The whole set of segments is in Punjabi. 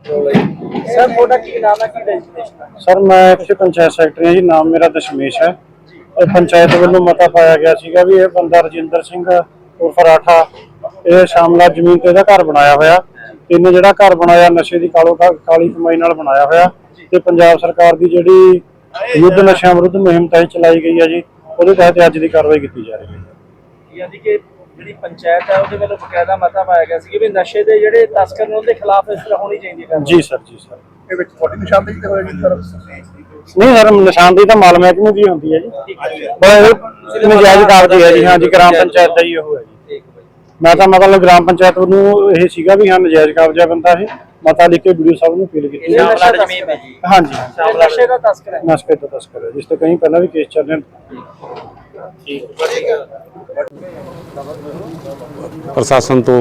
सर थोड़ा की नाम है की डेजिग्नेशन सर मैं ਇੱਥੇ ਪੰਚਾਇਤ ਸੈਕਟਰੀ ਹਾਂ ਜੀ। ਨਾਮ ਮੇਰਾ ਦਸ਼ਮੇਸ਼ ਹੈ। ਇਹ ਪੰਚਾਇਤ ਵੱਲੋਂ ਮਤਾ ਪਾਇਆ ਗਿਆ ਸੀਗਾ ਵੀ ਇਹ ਬੰਦਾ ਰਜਿੰਦਰ ਸਿੰਘ ਉਰਫ ਰਾਠਾ ਇਹ ਸ਼ਾਮਲਾ ਜ਼ਮੀਨ ਤੇ ਇਹਦਾ ਘਰ ਬਣਾਇਆ ਹੋਇਆ। ਇਹਨੇ ਜਿਹੜਾ ਘਰ ਬਣਾਇਆ ਨਸ਼ੇ ਦੀ ਕਾਲੀ ਕਮਾਈ ਨਾਲ ਬਣਾਇਆ ਹੋਇਆ ਤੇ ਪੰਜਾਬ ਸਰਕਾਰ ਦੀ ਜਿਹੜੀ ਯੁੱਧ ਨਸ਼ਿਆਂ ਵਿਰੁੱਧ ਮੁਹਿੰਮ ਤਹਿਤ ਚਲਾਈ ਗਈ ਹੈ ਜੀ, ਉਹਦੇ ਤਹਿਤ ਅੱਜ ਦੀ ਕਾਰਵਾਈ ਕੀਤੀ ਜਾ ਰਹੀ ਹੈ। यानी कि ਜਿਹੜੀ ਪੰਚਾਇਤ ਹੈ ਉਹਦੇ ਵੱਲੋਂ ਬਕਾਇਦਾ ਮਤਾ ਪਾਇਆ ਗਿਆ ਸੀ ਕਿ ਵੀ ਨਸ਼ੇ ਦੇ ਜਿਹੜੇ ਤਸਕਰ ਨੇ ਉਹਦੇ ਖਿਲਾਫ ਇਸ ਤਰ੍ਹਾਂ ਹੋਣੀ ਚਾਹੀਦੀ ਹੈ। ਜੀ ਸਰ, ਜੀ ਸਰ। ਇਹ ਵਿੱਚ ਤੁਹਾਡੀ ਨਿਸ਼ਾਨਦੇਹੀ ਤੇ ਹੋਏਗੀ ਸਰ? ਨਹੀਂ ਸਰ, ਨਿਸ਼ਾਨਦੇਹੀ ਤਾਂ ਮਾਲ ਮਹਿਕਮੇ ਦੀ ਹੁੰਦੀ ਹੈ ਜੀ, ਪਰ ਨਜਾਇਜ਼ ਕਾਬਜ਼ ਹੈ ਜੀ। ਹਾਂ ਜੀ, ਗ੍ਰਾਮ ਪੰਚਾਇਤ ਦਾ ਹੀ ਉਹ ਹੈ ਜੀ। ਮੈਂ ਤਾਂ ਮਤਲਬ ਗ੍ਰਾਮ ਪੰਚਾਇਤ ਨੂੰ ਇਹ ਸੀਗਾ ਵੀ ਹਾਂ ਨਜਾਇਜ਼ ਕਾਬਜ਼ਾ ਬੰਦਾ ਇਹ ਮਤਾ ਲਿਖ ਕੇ ਵੀਡੀਓ ਸਾਹਿਬ ਨੂੰ ਅਪੀਲ ਕੀਤੀ। ਹਾਂਜੀ, ਨਸ਼ੇ ਦਾ ਤਸਕਰ ਹੈ, ਨਸ਼ੇ ਦਾ ਤਸਕਰ ਹੈ, ਜਿਸ ਤੇ ਕਈ ਪਹਿਲਾਂ ਵੀ ਕੇਸ ਚੱਲ ਰਹੇ ਨੇ। ਪ੍ਰਸ਼ਾਸਨ ਤੋਂ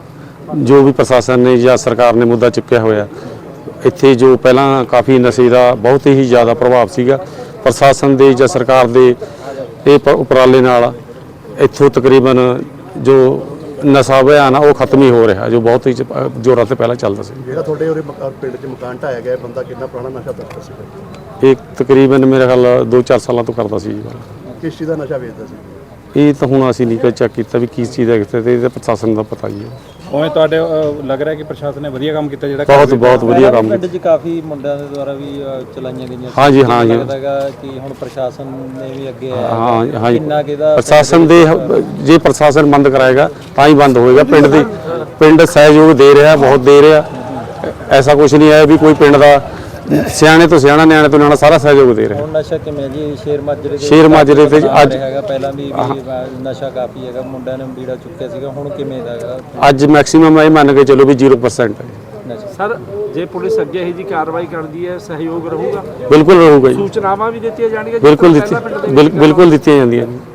ਜੋ ਵੀ ਪ੍ਰਸ਼ਾਸਨ ਨੇ ਜਾਂ ਸਰਕਾਰ ਨੇ ਮੁੱਦਾ ਚੁੱਕਿਆ ਹੋਇਆ, ਇੱਥੇ ਜੋ ਪਹਿਲਾਂ ਕਾਫੀ ਨਸ਼ੇ ਦਾ ਬਹੁਤ ਹੀ ਜ਼ਿਆਦਾ ਪ੍ਰਭਾਵ ਸੀਗਾ, ਪ੍ਰਸ਼ਾਸਨ ਦੇ ਜਾਂ ਸਰਕਾਰ ਦੇ ਇਹ ਉਪਰਾਲੇ ਨਾਲ ਇੱਥੋਂ ਤਕਰੀਬਨ ਜੋ ਨਸ਼ਾ ਅਭਿਆਨ ਆ ਉਹ ਖਤਮ ਹੀ ਹੋ ਰਿਹਾ, ਜੋ ਬਹੁਤ ਹੀ ਜ਼ੋਰਾਂ ਤੇ ਪਹਿਲਾਂ ਚੱਲਦਾ ਸੀ। ਜਿਹੜਾ ਤੁਹਾਡੇ ਉਹਦੇ ਪਿੰਡ 'ਚ ਮਕਾਨ ਢਾਇਆ ਗਿਆ ਬੰਦਾ ਕਿੰਨਾ ਪੁਰਾਣਾ ਨਸ਼ਾ ਤਸਕਰ ਸੀ? ਇਹ ਤਕਰੀਬਨ ਮੇਰੇ ਖਿਆਲ 2-4 ਸਾਲਾਂ ਤੋਂ ਕਰਦਾ ਸੀ ਜੀ। ਕਿਸ ਚੀਜ਼ ਦਾ ਨਸ਼ਾ ਵੇਚਦਾ ਸੀ? ਇਹ ਤਾਂ ਹੁਣ ਅਸੀਂ ਨਹੀਂ ਕੋਈ ਚੈੱਕ ਕੀਤਾ ਵੀ ਕਿਸ ਚੀਜ਼ ਦਾ ਕਿੱਥੇ, ਤੇ ਇਹਦਾ ਪ੍ਰਸ਼ਾਸਨ ਦਾ ਪਤਾ ਹੀ ਹੈ। ਉਵੇਂ ਤੁਹਾਡੇ ਲੱਗ ਰਿਹਾ ਕਿ ਪ੍ਰਸ਼ਾਸਨ ਨੇ ਵਧੀਆ ਕੰਮ ਕੀਤਾ, ਜਿਹੜਾ ਬਹੁਤ ਵਧੀਆ ਕੰਮ ਪਿੰਡ 'ਚ ਕਾਫੀ ਮੁੰਡਿਆਂ ਦੇ ਦੁਆਰਾ ਵੀ ਚਲਾਈਆਂ ਗਈਆਂ। ਹਾਂਜੀ ਲੱਗਦਾ ਹੈਗਾ ਕਿ ਹੁਣ ਪ੍ਰਸ਼ਾਸਨ ਨੇ ਵੀ ਅੱਗੇ ਹਾਂ ਕਿੰਨਾ ਕਿਹਦਾ ਪ੍ਰਸ਼ਾਸਨ ਦੇ ਜੇ ਪ੍ਰਸ਼ਾਸਨ ਬੰਦ ਕਰਾਏਗਾ ਤਾਂ ਹੀ ਬੰਦ ਹੋਏਗਾ। ਪਿੰਡ ਸਹਿਯੋਗ ਦੇ ਰਿਹਾ, ਬਹੁਤ ਦੇ ਰਿਹਾ। ਐਸਾ ਕੁਝ ਨਹੀਂ ਹੈ ਵੀ ਕੋਈ ਪਿੰਡ ਦਾ ਸਿਆਣੇ ਤੋਂ ਸਿਆਣਾ ਨਿਆਣੇ ਤੋਂ ਨਿਆਣਾ ਸਾਰਾ ਸਹਿਯੋਗ ਦੇ ਰਿਹਾ। ਹੁਣ ਨਸ਼ਾ ਕਿਵੇਂ ਜੀ ਸ਼ੇਰ ਮਾਜਰੇ ਤੇ ਅੱਜ ਹੈਗਾ, ਪਹਿਲਾਂ ਵੀ ਨਸ਼ਾ ਕਾਫੀ ਹੈਗਾ, ਮੁੰਡਿਆਂ ਨੇ ਬੀੜਾ ਚੁੱਕਿਆ ਸੀਗਾ, ਹੁਣ ਕਿਵੇਂ ਦਾ ਹੈਗਾ? ਅੱਜ ਮੈਕਸਿਮਮ ਇਹ ਮੰਨ ਕੇ ਚਲੋ ਵੀ 0% ਹੈ। ਸਰ ਜੇ ਪੁਲਿਸ ਅੱਗੇ ਇਹੋ ਜੀ ਕਾਰਵਾਈ ਕਰਦੀ ਹੈ ਸਹਿਯੋਗ ਰਹੂਗਾ? ਬਿਲਕੁਲ ਰਹੂਗਾ ਜੀ। ਸੂਚਨਾਵਾਂ ਵੀ ਦਿੱਤੀਆਂ ਜਾਣਗੀਆਂ? ਬਿਲਕੁਲ ਦਿੱਤੀਆਂ ਜਾਂਦੀਆਂ ਜੀ।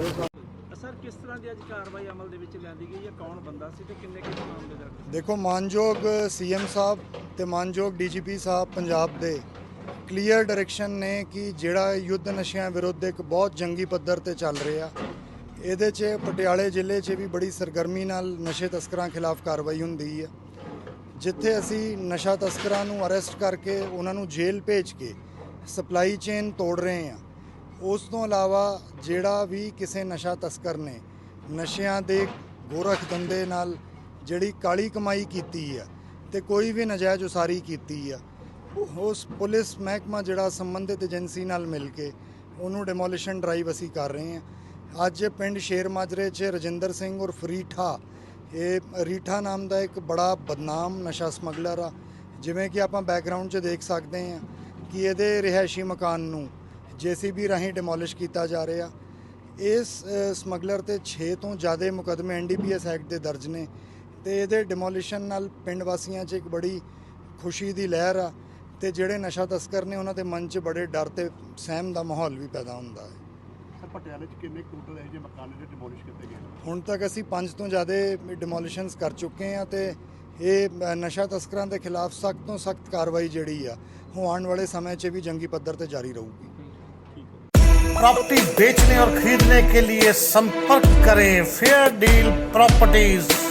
ਸਰ ਕਿਸ ਤਰ੍ਹਾਂ ਦੀ ਅੱਜ ਕਾਰਵਾਈ ਅਮਲ ਦੇ ਵਿੱਚ ਲਿਆਂਦੀ ਗਈ ਹੈ? ਕੌਣ ਬੰਦਾ ਸੀ ਤੇ ਕਿੰਨੇ ਮਾਮਲੇ ਦਰਜ? ਦੇਖੋ, ਮਾਨਯੋਗ ਸੀਐਮ ਸਾਹਿਬ ਤੇ ਮਾਨਯੋਗ ਡੀਜੀਪੀ ਸਾਹਿਬ ਪੰਜਾਬ ਦੇ ਕਲੀਅਰ ਡਾਇਰੈਕਸ਼ਨ ਨੇ ਕਿ ਜਿਹੜਾ ਯੁੱਧ ਨਸ਼ਿਆਂ ਵਿਰੁੱਧ ਇੱਕ ਬਹੁਤ ਜੰਗੀ ਪੱਧਰ ਤੇ ਚੱਲ ਰਿਹਾ, ਇਹਦੇ 'ਚ ਪਟਿਆਲੇ ਜ਼ਿਲ੍ਹੇ 'ਚ ਵੀ ਬੜੀ ਸਰਗਰਮੀ ਨਾਲ ਨਸ਼ੇ ਤਸਕਰਾਂ ਖਿਲਾਫ ਕਾਰਵਾਈ ਹੁੰਦੀ ਹੈ। ਜਿੱਥੇ ਅਸੀਂ ਨਸ਼ਾ ਤਸਕਰਾਂ ਨੂੰ ਅਰੈਸਟ ਕਰਕੇ ਉਹਨਾਂ ਨੂੰ ਜੇਲ੍ਹ ਭੇਜ ਕੇ ਸਪਲਾਈ ਚੇਨ ਤੋੜ ਰਹੇ ਹਾਂ, ਉਸ ਤੋਂ ਇਲਾਵਾ ਜਿਹੜਾ ਵੀ ਕਿਸੇ ਨਸ਼ਾ ਤਸਕਰ ਨੇ ਨਸ਼ਿਆਂ ਦੇ ਗੋਰਖ ਧੰਦੇ ਨਾਲ ਜਿਹੜੀ ਕਾਲੀ ਕਮਾਈ ਕੀਤੀ ਆ ਤੇ ਕੋਈ ਵੀ ਨਜਾਇਜ਼ ਉਸਾਰੀ ਕੀਤੀ ਆ, ਉਸ ਪੁਲਿਸ ਮਹਿਕਮਾ ਜਿਹੜਾ ਸੰਬੰਧਿਤ ਏਜੰਸੀ ਨਾਲ ਮਿਲ ਕੇ ਉਹਨੂੰ ਡਿਮੋਲੀਸ਼ਨ ਡਰਾਈਵ ਅਸੀਂ ਕਰ ਰਹੇ ਹਾਂ। ਅੱਜ ਪਿੰਡ ਸ਼ੇਰ ਮਾਜਰੇ 'ਚ ਰਜਿੰਦਰ ਸਿੰਘ ਉਰਫ ਰੀਠਾ, ਇਹ ਰੀਠਾ ਨਾਮ ਦਾ ਇੱਕ ਬੜਾ ਬਦਨਾਮ ਨਸ਼ਾ ਸਮਗਲਰ ਆ। ਜਿਵੇਂ ਕਿ ਆਪਾਂ ਬੈਕਗਰਾਊਂਡ 'ਚ ਦੇਖ ਸਕਦੇ ਹਾਂ ਕਿ ਇਹਦੇ ਰਿਹਾਇਸ਼ੀ ਮਕਾਨ ਨੂੰ JCB ਰਾਹੀਂ ਡਿਮੋਲਿਸ਼ ਕੀਤਾ ਜਾ ਰਿਹਾ। ਇਸ ਸਮਗਲਰ ਤੇ 6 ਤੋਂ ਜ਼ਿਆਦਾ ਮੁਕੱਦਮੇ NDPS ਐਕਟ ਦੇ ਦਰਜ ਨੇ ਤੇ ਇਹਦੇ ਡਿਮੋਲੀਸ਼ਨ ਨਾਲ ਪਿੰਡ ਵਾਸੀਆਂ 'ਚ ਇੱਕ ਬੜੀ ਖੁਸ਼ੀ ਦੀ ਲਹਿਰ ਆ ਤੇ ਜਿਹੜੇ ਨਸ਼ਾ ਤਸਕਰ ਨੇ ਉਹਨਾਂ ਦੇ ਮਨ 'ਚ ਬੜੇ ਡਰ ਤੇ ਸਹਿਮ ਦਾ ਮਾਹੌਲ ਵੀ ਪੈਦਾ ਹੁੰਦਾ ਹੈ। ਪਟਿਆਲੇ 'ਚ ਕਿੰਨੇ ਟੋਟਲ ਇਹੋ ਜਿਹੇ ਮਕਾਨ ਜਿਹੜੇ ਡਿਮੋਲਿਸ਼ ਕੀਤੇ ਗਏ? ਹੁਣ ਤੱਕ ਅਸੀਂ 5 ਤੋਂ ਜ਼ਿਆਦਾ ਡਿਮੋਲੀਸ਼ਨਸ ਕਰ ਚੁੱਕੇ ਹਾਂ ਤੇ ਇਹ ਨਸ਼ਾ ਤਸਕਰਾਂ ਦੇ ਖਿਲਾਫ ਸਖਤ ਤੋਂ ਸਖਤ ਕਾਰਵਾਈ ਜਿਹੜੀ ਆ ਉਹ ਆਉਣ वाले समय 'ਚ ਵੀ जंगी पद्धर पे जारी रहूगी। प्रॉपर्टी बेचने और खरीदने के लिए संपर्क करें फेयर डील प्रॉपर्टीज।